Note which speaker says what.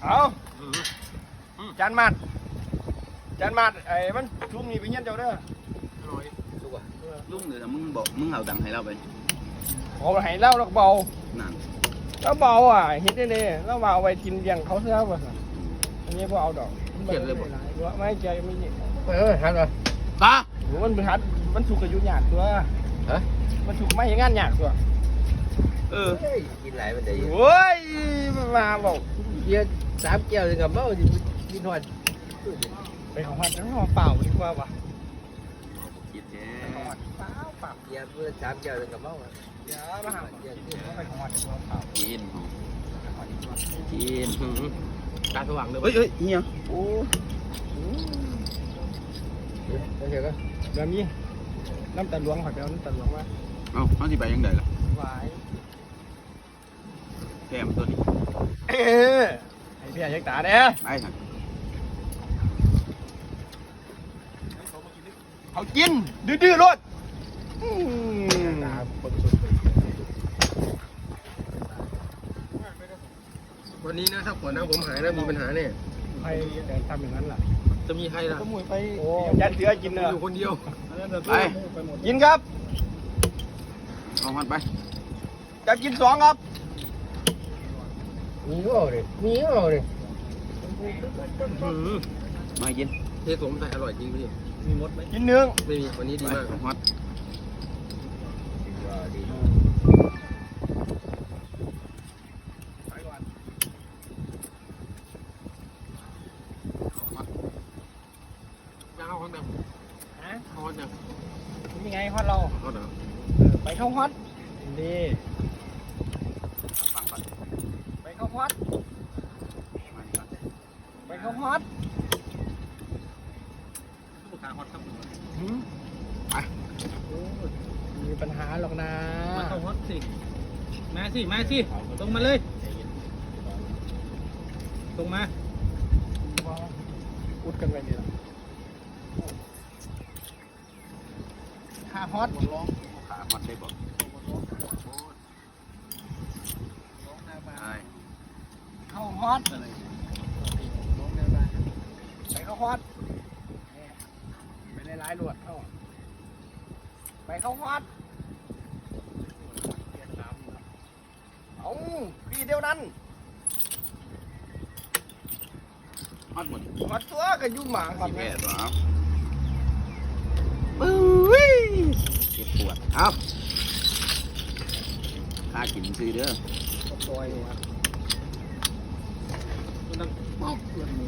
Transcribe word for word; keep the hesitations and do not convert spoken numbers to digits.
Speaker 1: เอาจานมัดจานมัดไอ้มันชุ่มนี่ไปเงี้ยเจ้าเด้อ
Speaker 2: ลูกอ่ะ
Speaker 3: ลุงเดี๋ยวมึงบอกมึงเอาตังค์ให้เราไป
Speaker 1: ขอให้เล่าแล้วเบา
Speaker 3: นั่น
Speaker 1: แล้วเบาอ่ะเฮ็ดได้เลยแล้วมาเอาไปกินเลี้ยงเขาเสื้อป่ะอันนี้พวกเอาดอกไม่ใจไม่เยอะ
Speaker 2: เออหันมา
Speaker 3: ตา
Speaker 1: หรือมันบริหารมันสุกอายุหยาดตัว
Speaker 2: ฮะ
Speaker 1: มันสุกไม่งานหยาดตัว
Speaker 3: เออ
Speaker 2: กินไหลมันได้
Speaker 1: โอ้ยมาบอก
Speaker 2: เบียร์สามแก้วถึงกับเมาดิกินหอด
Speaker 1: ไปของหัดทั้งห่อเปล่าดีกว่าป่ะ
Speaker 3: คิดแท้
Speaker 1: เปล่าเปล่า
Speaker 2: เบียร์เพื่อสามแก้วถึงกับเมา
Speaker 1: เดี๋ยวมาหาเดี๋ยวไปของหัดดีกว่าเปล่า
Speaker 3: กินกิน
Speaker 2: ตาสว่างเลย
Speaker 3: เฮ้ยเฮ้ยเฮีย
Speaker 1: โอ้
Speaker 2: โอเคก็
Speaker 1: เดี๋ยวมีน้ำตาลหลวงขอเดี๋ยวน้ำตาลหลวงมา
Speaker 3: เอาเขาที่ไปยังไงล่ะ
Speaker 1: หวาย
Speaker 3: แก้มตัวนี้
Speaker 1: เอ๊ะไอ้พี่ยักษ์ตาเนี่ย
Speaker 3: ไปสั่ง
Speaker 1: เขากินดื้อๆรถ
Speaker 2: ตาบนสุดวันนี้นะถ้าขวดน้ำผมหายนะมีปัญหาเนี่ย
Speaker 1: ใครแต่ทำอย่างนั้นล่ะ
Speaker 2: จะมีใครล่ะ
Speaker 1: ก็มวยไปยันเสือกินเนอะ
Speaker 2: อยู่คนเดียว
Speaker 3: ไป
Speaker 1: กินครับ
Speaker 3: เอาหันไป
Speaker 1: จะกินสองครับ
Speaker 2: มีก็เอาเลยมีก็เอาเลย
Speaker 3: มากิน
Speaker 2: เทสมใส่อร่อยจริงพี่
Speaker 1: มีมดไหมกินหนึ่ง
Speaker 2: ไม่มีวันนี้ดี
Speaker 3: ไป
Speaker 2: มาก
Speaker 3: ฮอต
Speaker 1: ไปก่อน
Speaker 2: จะเอาฮอตยัง
Speaker 1: ฮะ
Speaker 2: ฮอตยัง
Speaker 1: นี่ไงฮอตเรา
Speaker 2: ฮอตเหรอ
Speaker 1: ไปเข้าฮอตดี
Speaker 3: ฟังก่อน
Speaker 1: ไปเข้าฮอต
Speaker 3: มาดีก่อน
Speaker 1: ไปเข้าฮอต
Speaker 2: ลูกค้าฮอตครับ
Speaker 1: หืมไปมีปัญหาหรอกนะ
Speaker 2: มาเข้าฮอตสิมาสิมาสิตรงมาเลยตรงมา
Speaker 1: อุดกันไปดีละค่าฮอต
Speaker 3: ขาฮอตได้บอกใช่
Speaker 1: เข้าฮอตไปเข้าฮอตไปในร้ายลวดเข้าไปเข้าฮอตเอาพี่เดียวนั้น
Speaker 3: ฮอตหมด
Speaker 1: ฮอตตัวก็ยุ่งหมาก่อน
Speaker 3: สิ
Speaker 1: ไง
Speaker 3: แปดเหรอปุ้ยเจ็บปวดเอาข้ากินซื้อเด้อ
Speaker 1: ตัวอยู่ครับ
Speaker 2: ต้องป๊อกเลย